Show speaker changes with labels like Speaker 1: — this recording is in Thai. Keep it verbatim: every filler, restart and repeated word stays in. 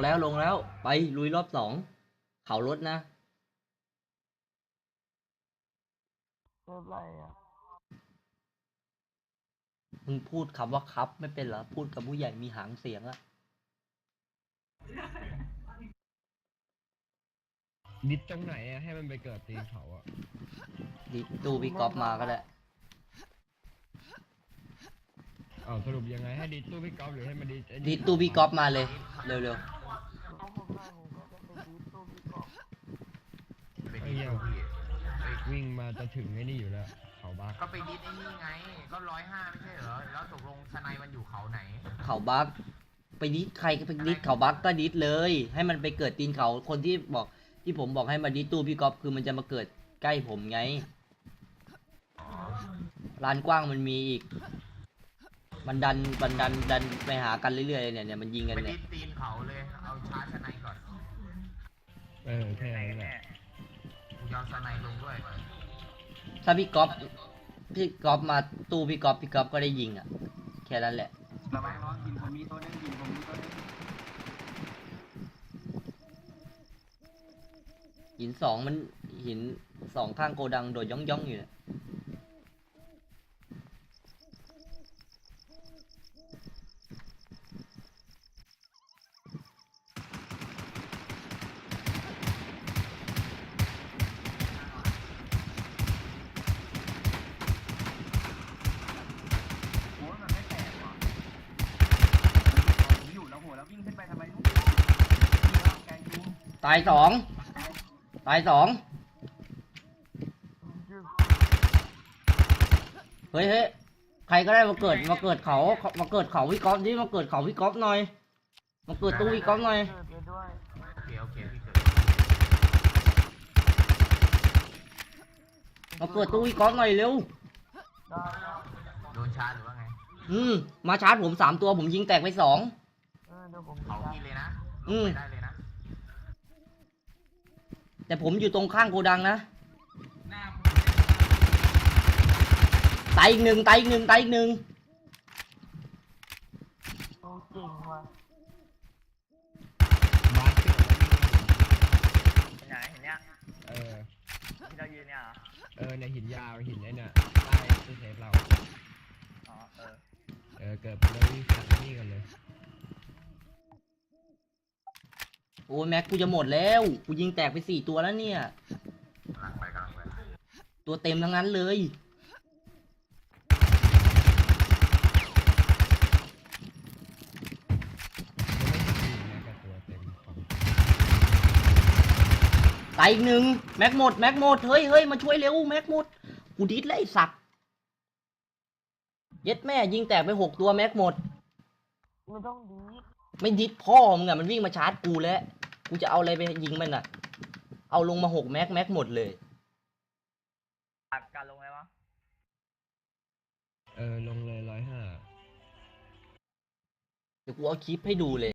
Speaker 1: แล้วลงแล้วไปลุยรอบสองเขารถนะ
Speaker 2: เริ่มไรอ่ะ
Speaker 1: มึงพูดคำว่าครับไม่เป็นเหรอพูดกับผู้ใหญ่มีหางเสียงอะ
Speaker 3: ดิดตรงไหนอะให้มันไปเกิดตีนเขาอะ
Speaker 1: ดิตู้พี่ก๊อฟมาก็ได้
Speaker 3: อ้าวสรุปยังไงให้ดิดตู้พี่ก๊อฟหรือให้มันดิดไอ้
Speaker 1: ดิตู้พี่ก๊อฟมาเลยเร็ว
Speaker 2: เอาผมได้ผมก็จะไปดีตู้พี่กอล์ฟ
Speaker 4: ไป
Speaker 3: ไอ้
Speaker 4: ดิ
Speaker 3: เหี้
Speaker 4: ส
Speaker 3: ย
Speaker 4: พี่ไป
Speaker 3: วิ่งมาจะถึงไอ้นี่อยู่แล้วเขาบัก
Speaker 4: ก็ไปดิสไอ้นี่ไง ก็ร้อยห้าไม่ใช่เหรอ แล้วตกลงสไนมันอยู่เขาไหน
Speaker 1: ๆเขาบักไปดิสใครก็ไปดิสเขาบักก็ดิสเลย ให้มันไปเกิดตีนเขาคนที่บอกที่ผมบอกให้มาดิสตู้พี่ก๊อฟคือมันจะมาเกิดใกล้ผมไงลานกว้างมันมีอีก มันดันมันดันดันไปหากันเรื่อยๆเนี่ยเนี่ยมันยิงกัน
Speaker 4: ไป
Speaker 1: เนี่
Speaker 4: ดิ
Speaker 1: ย
Speaker 4: สตีนเขาเลย เอาชาร์จสไนก่อน
Speaker 3: เออแค่นั้นแหละ
Speaker 4: กูยอมสไนลงด้วย
Speaker 1: ถ้าพี่ก๊อฟพี่ก๊อฟมาตู้พี่ก๊อฟพี่ก๊อฟก็ได้ยิงอ่ะแค่นั้นแหละ
Speaker 5: ระวังร้อนกินผมมีตัวนึงกินผมมีตัวนึง
Speaker 1: หินสองมันหินสองข้างโกดังโดดย่องย่องๆอยู่เนี่ย
Speaker 5: โอ้ยมันไม่แตกว่ะผมอยู่แล้วหัวแล้ววิ่งขึ้นไปทำไมลูกแกงจู
Speaker 1: ตายสองตายสองเฮ้ยเฮ้ยใครก็ได้มาเกิดมาเกิดเขามาเกิดเขาพี่ก๊อฟดิมาเกิดเขาพี่ก๊อฟหน่อยมาเกิดตู้พี่ก๊อฟหน่อย
Speaker 2: เกิดไปด้วย
Speaker 4: โอเค โอเค พี่เกิด
Speaker 1: มาเกิดตู้พี่ก๊อฟหน่อยเร็ว
Speaker 2: ได้แล้ว
Speaker 4: โดนชาร์จหรือว่าไง
Speaker 1: อืมมาชาร์จผมสามตัวผมยิงแตกไปสอง
Speaker 2: เออเดี๋ยวผม
Speaker 4: เขา
Speaker 2: จะ
Speaker 4: พี่เลยนะ
Speaker 1: อืม
Speaker 4: ไปได้เลยนะ
Speaker 1: แต่ผมอยู่ตรงข้างโกดังนะตายอีกหนึ่งตายอีกหนึ่งตายอีกหนึ่ง
Speaker 2: โอ้เก่งว่ะ
Speaker 3: บักเกิดแล้ว
Speaker 6: เห็นไหนเห็นเนี้ย
Speaker 3: เออ
Speaker 6: ที่เรายืนเนี่ยเหรอ
Speaker 3: เออในหินยาวหินไอ้เนี่ยใต้ตู้เซฟเรา
Speaker 6: อ๋อ เออ
Speaker 3: เออเกิดไปแล้ววิ่งขัดนี่กันเลย
Speaker 1: โอ้ยแม็กกูจะหมดแล้วกูยิงแตกไปสี่ตัวแล้วเนี่ย
Speaker 4: กำลังไปกำลังไป
Speaker 1: ตัวเต็มทั้งนั้นเลย
Speaker 3: จะไม่ยิงแม้กับตัวเต็มของ
Speaker 1: ตายอีกหนึ่งแม็กหมดแม็กหมดเฮ้ยเฮ้ยมาช่วยเร็วแม็กหมดกูดิสเลยไอ้สัตว์เย็ดแม่ยิงแตกไปหกตัวแม็กหมด
Speaker 2: ไม่ต้องดีด
Speaker 1: ไม่ดิสพ่อมึงอะมันวิ่งมาชาร์จกูแล้วกูจะเอาอะไรไปยิงมันอะเอาลงมาหกแม็กแม็กหมดเลย
Speaker 6: อัดการลงไหมวะ
Speaker 3: เออลงเลยร้อยห้า
Speaker 1: เดี๋ยวกูเอาคลิปให้ดูเลย